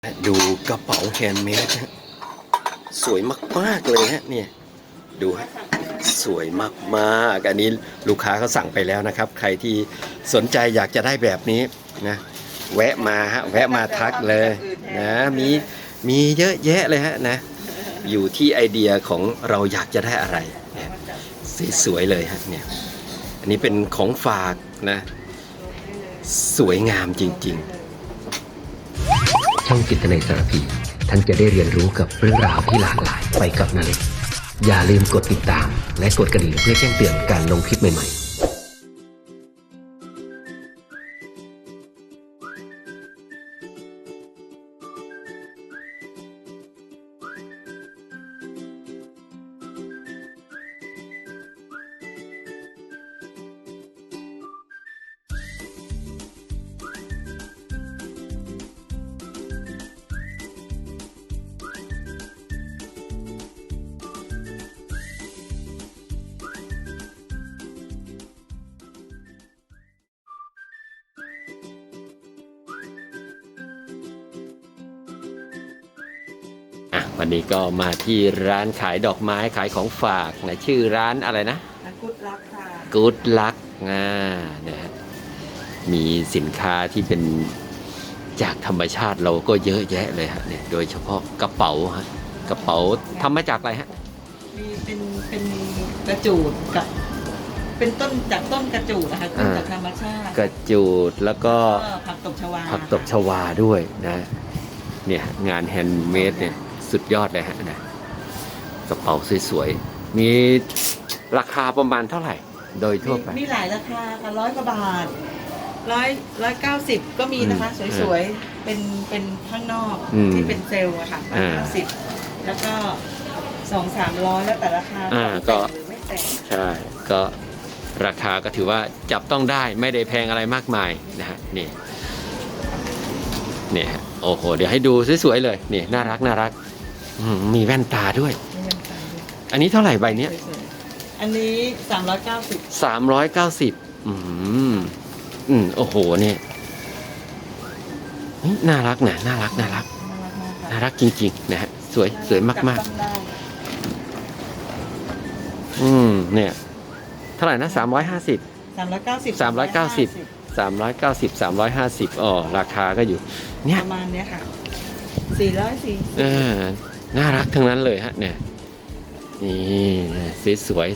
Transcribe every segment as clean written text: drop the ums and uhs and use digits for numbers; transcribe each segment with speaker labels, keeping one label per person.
Speaker 1: ดูกระเป๋าแฮนด์เมดฮะสวยมากๆเลยฮะเนี่ยดูฮะสวยมากๆอันนี้ลูกค้าเขาสั่งไปแล้วนะครับใครที่สนใจอยากจะได้แบบนี้นะแวะมาฮะแวะมาทักเลยนะมีเยอะแยะเลยฮะนะอยู่ที่ไอเดียของเราอยากจะได้อะไรเนี่ยสวยๆเลยฮะเนี่ยอันนี้เป็นของฝากนะสวยงามจริงๆ
Speaker 2: ช่องจิตนาสารพีท่านจะได้เรียนรู้กับเรื่องราวที่หลากหลายไปกับนาเล็กอย่าลืมกดติดตามและกดกระดิ่งเพื่อแจ้งเตือนการลงคลิปใหม่ๆ
Speaker 1: วันนี้ก็มาที่ร้านขายดอกไม้ขายของฝากนะชื่อร้านอะไรนะ
Speaker 3: กู๊ดลักค่ะ
Speaker 1: Good Luck นะฮะมีสินค้าที่เป็นจากธรรมชาติเราก็เยอะแยะเลยฮะเนี่ยโดยเฉพาะกระเป๋าฮะกระเป๋าทำมาจากอะไรฮะ
Speaker 3: มีเป็นกระจูดกับเป็นต้นจากต้นกระจูดนะคะต้นจากธรรมชาติ
Speaker 1: กระจูดแล้วก็
Speaker 3: ผักตบชวา
Speaker 1: ผักตบชวาด้วยนะเนี่ยงานแฮนด์เมดเนี่ยสุดยอดเลยฮะนะกระเป๋าสวยๆมีราคาประมาณเท่าไหร่โดยทั่วไป
Speaker 3: มีหลายราคาค่ะ100 กว่าบาท190ก็มีนะคะสวยๆเป็นข้างนอกที่เป็นเซลล์อะค่ะ190แล้วก็200-300แล้วแต่ราคา
Speaker 1: ก็
Speaker 3: หรือไม่แต่ง
Speaker 1: ใช่ก็ราคาก็ถือว่าจับต้องได้ไม่ได้แพงอะไรมากมายนะฮะนี่เนี่ยโอ้โหเดี๋ยวให้ดูสวยๆเลยนี่น่ารักมีแว่นตาด้วยอันนี้เท่าไหร่ใบเนี้ย
Speaker 3: อันนี้
Speaker 1: 390โอ้โหเนี่ยน่ารักนะน่ารักจริงๆนะฮะสวยมากๆเนี่ยเท่าไหร่นะ350อ๋อราคาก็อยู่เนี่ย
Speaker 3: ประมาณเนี้ยค่ะ404
Speaker 1: น่ารักทั้งนั้นเลยฮะเนี่ยนี่สวย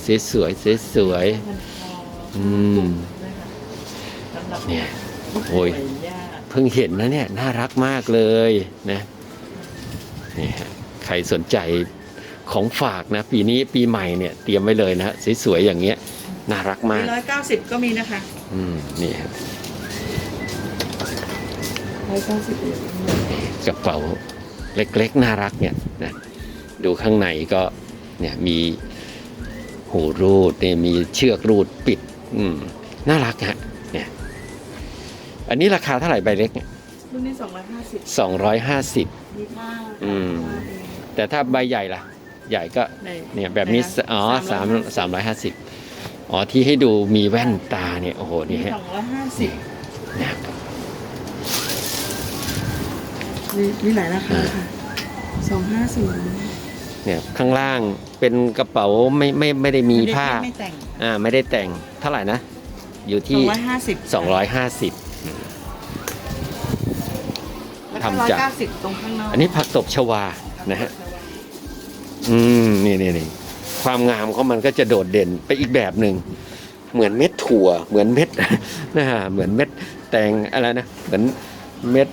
Speaker 1: เนี่ยโอ้ยเพิ่งเห็นนะเนี่ยน่ารักมากเลยนะนี่ฮะใครสนใจของฝากนะปีนี้ปีใหม่เนี่ยเตรียมไว้เลยนะสวยๆอย่างเงี้ยน่ารักมาก
Speaker 3: 190ก็มีนะคะ
Speaker 1: นี่ครับ
Speaker 3: 190
Speaker 1: กระเป๋าเล็กๆน่ารักเนี่ยนะดูข้างในก็เนี่ยมีหูรูดเนี่ยมีเชือกรูดปิดน่ารักฮะเนี่ยอันนี้ราคาเท่าไหร่ใบเล็กเนี่ย
Speaker 3: รุ่นนี้
Speaker 1: 250
Speaker 3: มีผ้า
Speaker 1: แต่ถ้าใบใหญ่ล่ะใหญ่ก็เนี่ยแบบนี้350ที่ให้ดูมีแว่นตาเนี่ยโอ้โหนี่ฮะ
Speaker 3: 250นะมีหลายราคาค่ะ250
Speaker 1: เนี่ยข้างล่างเป็นกระเป๋าไม่ได้มีผ้าไม่ได้แต่งเท่าไหร่นะอยู่ที่250ทำจาก
Speaker 3: ตรงข้างนอก
Speaker 1: อันนี้ผักตบชวานะฮะนี่ความงามของมันก็จะโดดเด่นไปอีกแบบหนึ่งเหมือนเม็ดถั่วเหมือนเม็ดนะฮะเหมือนเม็ดแตงอะไรนะเหมือนเม็ด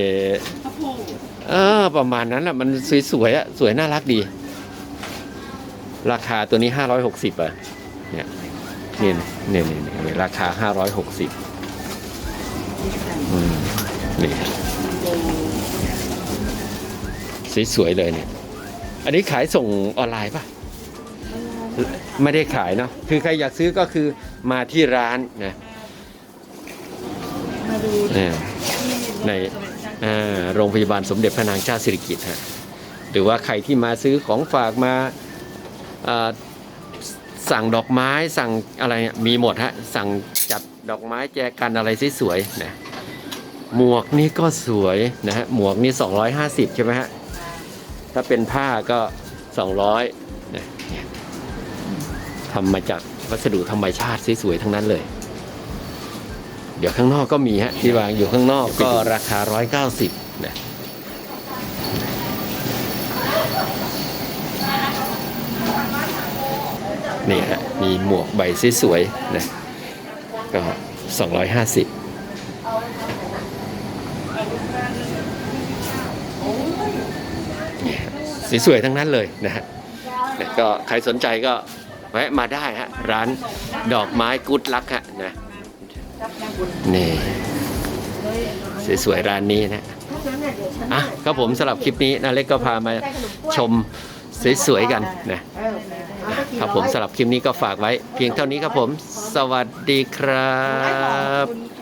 Speaker 1: ประมาณนั้นแหละมันสวยๆสวยน่ารักดีราคาตัวนี้560เนี่ยราคา560นี่สวยๆเลยเนี่ยอันนี้ขายส่งออนไลน์ป่ะไม่ได้ขายเนาะคือใครอยากซื้อก็คือมาที่ร้านนะในโรงพยาบาลสมเด็จพระนางเจ้าสิริกิติ์ฮะหรือว่าใครที่มาซื้อของฝากมาสั่งดอกไม้สั่งอะไรมีหมดฮะสั่งจัดดอกไม้แจกันอะไรสวยๆนะหมวกนี่ก็สวยนะฮะหมวกนี่250ใช่ไหมฮะถ้าเป็นผ้าก็200นะทำมาจากวัสดุธรรมชาติสวยๆทั้งนั้นเลยเดี๋ยวข้างนอกก็มีฮะที่วางอยู่ข้างนอกก็ราคา190นะนี่ฮะมีหมวกใบสวยๆนะก็250สวยๆทั้งนั้นเลยนะฮะก็ใครสนใจก็แวะมาได้ฮะร้านดอกไม้กุ๊ดลักฮะนะนี่สวยๆร้านนี้นะอ่ะก็ผมสำหรับคลิปนี้นาเล็กก็พามาชมสวยๆกันนะครับผมสำหรับคลิปนี้ก็ฝากไว้เพียงเท่านี้ครับผมสวัสดีครับ